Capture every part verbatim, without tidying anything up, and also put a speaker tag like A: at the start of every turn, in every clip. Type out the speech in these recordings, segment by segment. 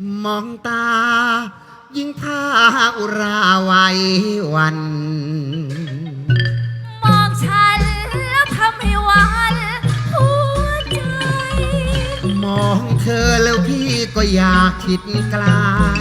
A: มองตายิ่งพาอุราไว้วัน
B: มองฉันแล้วทำให้หวันหัวใจ
A: มองเธอแล้วพี่ก็อยากคิดไกล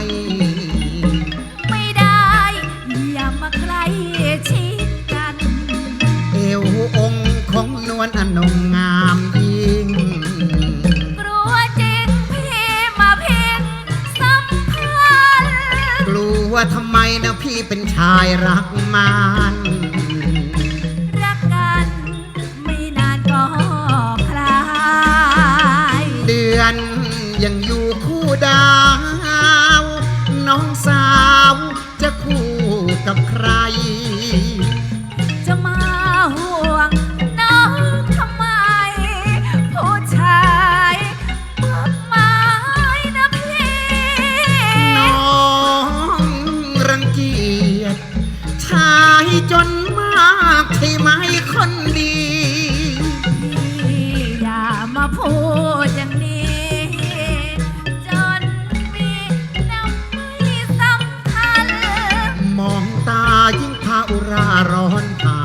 B: ไม่ได้อย่ามาใกล้ชิดกัน
A: เอวองค์ของนวลอนงงามยิ่ง
B: กลัวจริงพี่มาเพ่งสัมพันธ์
A: กลัวทำไมนะพี่เป็นชายรักมัน
B: รักกันไม่นานก็คลาย
A: เดือนยังอยู่คู่ดาว น้องสาวจะคู่กับใคร
B: จะมาห่วงน้องทำไม ผู้ชายมากมายนะพี่
A: น้องรังเกียจชายจนมากใช่ไหมคนดี
B: พี่อย่ามาพูดอย่างนี้ จนมีน้ำไม่สำคัญ
A: มองตายิ่งพาอุราร้อนเผาม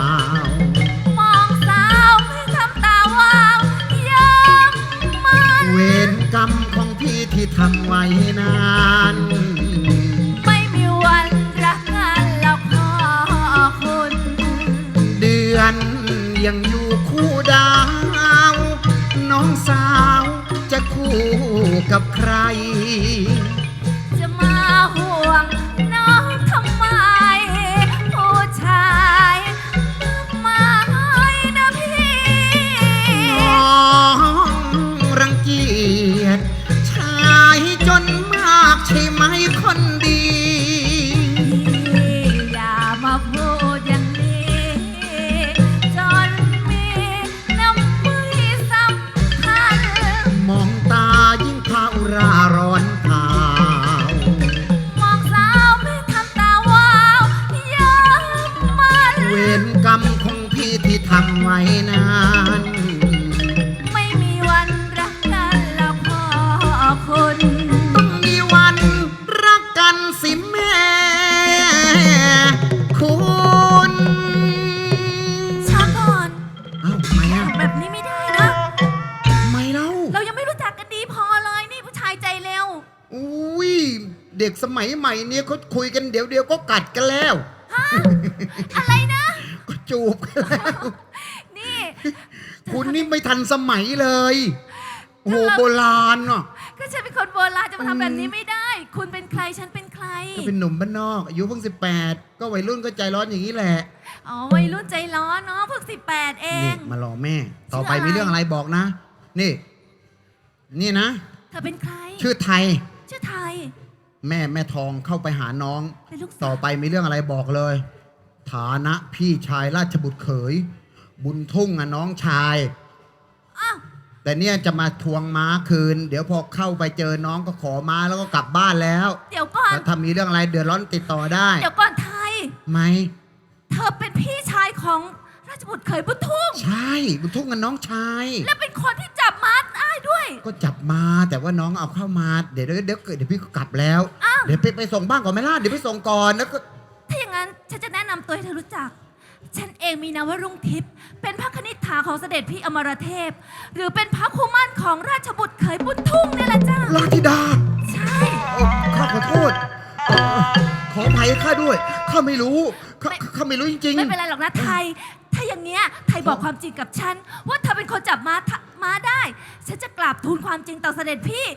B: องสาวให้ทำตาวาวย้ำมัน
A: เวรกรรมของพี่ที่ทำไว้นาน
B: ไม่มีวันรักกันแล้วขอคุณ
A: เดือนยังอยู่คู่ดาว น้องสาวจะคู่กับใคร
B: จะมาห่วงน้องทำไม ผู้ชายมากมายนะพี่
A: น้องรังเกียจชายจนมากใช่ไหมคนดี
B: อย่ามาพูดอย่างนี้ จนมีน้ำมือสำคัญ
A: มองตายิ่งพาอุราร้อนเผาม
B: องสาวไม่ทำตาวาวย้ำมัน
A: เวรกรรมของพี่ที่ทำไว้นาน
B: ไม่มีวันรักกันแล้วขอคุณ
A: ต้องมีวันรักกันสิแม่ คุณ
B: ช้าก่อน
A: เอ้าทำไมอ่ะ
B: แบบนี้ไม่ได้นะ
A: ทำไมเล่า
B: เรายังไม่รู้จักกันดีพอเลยนี่ผู้ชายใจเร็ว
A: อุ้ยเด็กสมัยใหม่เนี่ยเขาคุยกันเดี๋ยวเดียวก็กัดกันแล้ว
B: อะไรนะ
A: ก็จูบกันแล้ว
B: นี่
A: คุณนี่ไม่ทันสมัยเลยโอ้โหโบราณอ่ะ
B: ก็ฉันเป็นคนโบราณจะมาทำแบบนี้ไม่ได้ คุณเป็นใครฉันเป็นใคร
A: ก็เป็นหนุ่มบ้านนอกอายุเพิ่งสิบแปดก็วัยรุ่นก็ใจร้อนอย่างนี้แหละ
B: อ๋อวัยรุ่นใจร้อนเนาะเพิ่งสิบแปดเอ
A: นี่
B: ง
A: มารอแม่ ต่อไป
B: ชื่ออะไร
A: มีเรื่องอะไรบอกนะ นี่ นี่นะ
B: เธอเป็นใคร
A: ชื่อไทย
B: ชื่อไทย
A: แม่แม่ทองเข้าไปหาน้อง
B: เป็นลูกสาว
A: ต่อไปมีเรื่องอะไรบอกเลย ฐานะพี่ชายราชบุตรเขย บุญทุ่งอ่ะน้องชาย
B: อ้าว
A: แต่เนี่ยจะมาทวงม้าคืน เดี๋ยวพอเข้าไปเจอน้องก็ขอม้าแล้วก็กลับบ้านแล้ว
B: เดี๋ยวก่อน
A: แล้วถ้ามีเรื่องอะไรเดือดร้อนติดต่อได้
B: เดี๋ยวก่อนไทย
A: ไหม
B: เธอเป็นพี่ชายของราชบุตรเขยบุญทุ่ง
A: ใช่บุญทุ่งกับน้องชาย
B: และเป็นคนที่จับมาได้ด้วย
A: ก็จับมาแต่ว่าน้องเอาเข้ามาเดี๋ยวเดี๋ยวเดี๋ยวเดี๋ยวพี่ก็กลับแล้ว
B: อ้าว
A: เดี๋ยวไปไปส่งบ้านก่อนไหมล่ะเดี๋ยวไปส่งก่อนแล้วก็
B: ถ้าอย่างนั้นฉันจะแนะนำตัวให้เธอรู้จัก ฉันเองมีนามว่ารุ่งทิพย์ เป็นพระคณิษฐาของเสด็จพี่อมรเทพ หรือเป็นพระคู่มั่นของราชบุตรเขยบุญทุ่งนี่แหละจ้า
A: ลาธิดา
B: ใช่
A: เอ่อข้าขอโทษเอ่อขออภัยข้าด้วยข้าไม่รู้ข้าข้าไม่รู้จริง
B: ไม่เป็นไรหรอกนะไทย ถ้าอย่างเงี้ยไทยบอกความจริงกับฉัน ว่าเธอเป็นคนจับม้าทะม้าได้ ฉันจะกราบทูลความจริงต่อเสด็จพี่